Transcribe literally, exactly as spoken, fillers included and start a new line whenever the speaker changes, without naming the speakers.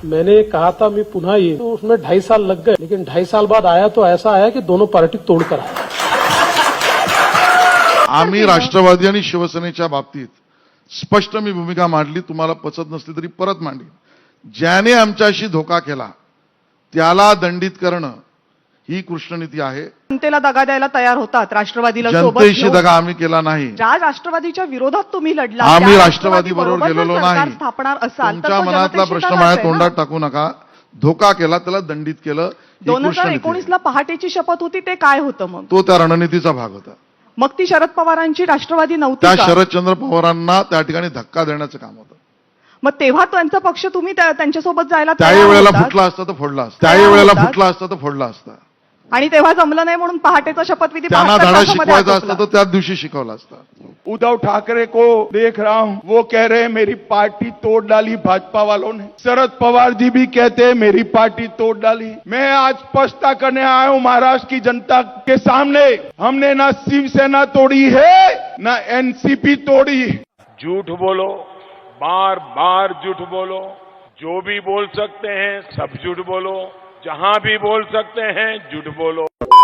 मैंने कहा था मैं पुनः ये, तो उसमें ढाई साल लग गए, लेकिन ढाई साल बाद आया तो ऐसा आया की दोनों पार्टी तोडकर आया.
आम्ही राष्ट्रवादी आणि शिवसेनेच्या बाबतीत स्पष्ट मी भूमिका मांडली, तुम्हाला पचत नसली तरी परत मांडली. ज्याने आमच्याशी धोका केला त्याला दंडित करणं ही कृष्णनीती आहे.
जनतेला दगा द्यायला तयार होतात राष्ट्रवादीला सोबत
जनतेशी
घेऊन.
दगा आम्ही केला नाही.
ज्या राष्ट्रवादीच्या विरोधात तुम्ही लढला,
आम्ही
त्या
राष्ट्रवादी बरोबर
राष्ट्रवादीबरोबर
गेलेलो
जर सरकार
नाही.
स्थापणार असाल तर
तुमच्या
तो
मनातला
जनतेशी
प्रश्न
दगाच
माझ्या
आहे ना.
तोंडात टाकू नका. धोका केला त्याला दंडित केलं ही
दोन हजार
कृष्णनीती
एकोणीस
आहे.
ला पहाटेची शपथ होती ते काय होतं मग?
तो त्या रणनीतीचा भाग होता.
मग ती शरद पवारांची राष्ट्रवादी नव्हती
त्या
का?
शरदचंद्र पवारांना त्या ठिकाणी धक्का देण्याचं काम होतं.
मग तेव्हा त्यांचा पक्ष तुम्ही त्या- त्यांच्यासोबत जायला
त्याही
तयार
वेळेला
होतात.
फुटला असता तर फोडला असता. त्याही
तयार
वेळेला
होतात.
फुटला असता तर फोडला असता.
आणि तेव्हा जमलं नाही म्हणून पहाटेचा शपथविधी
त्यांना
बहात्तर
धडा
तासामध्ये
शिकवायचा
आटोपला.
असता तर त्याच दिवशी शिकवला असता.
उद्धव ठाकरे को देख रहा हूं, वो कह रहे हैं मेरी पार्टी तोड़ डाली भाजपा वालों ने. शरद पवार जी भी कहते हैं मेरी पार्टी तोड़ डाली. मैं आज स्पष्टता करने आया हूं महाराष्ट्र की जनता के सामने, हमने ना शिवसेना तोड़ी है ना एनसीपी तोड़ी.
झूठ बोलो, बार बार झूठ बोलो, जो भी बोल सकते हैं सब झूठ बोलो, जहां भी बोल सकते हैं झूठ बोलो.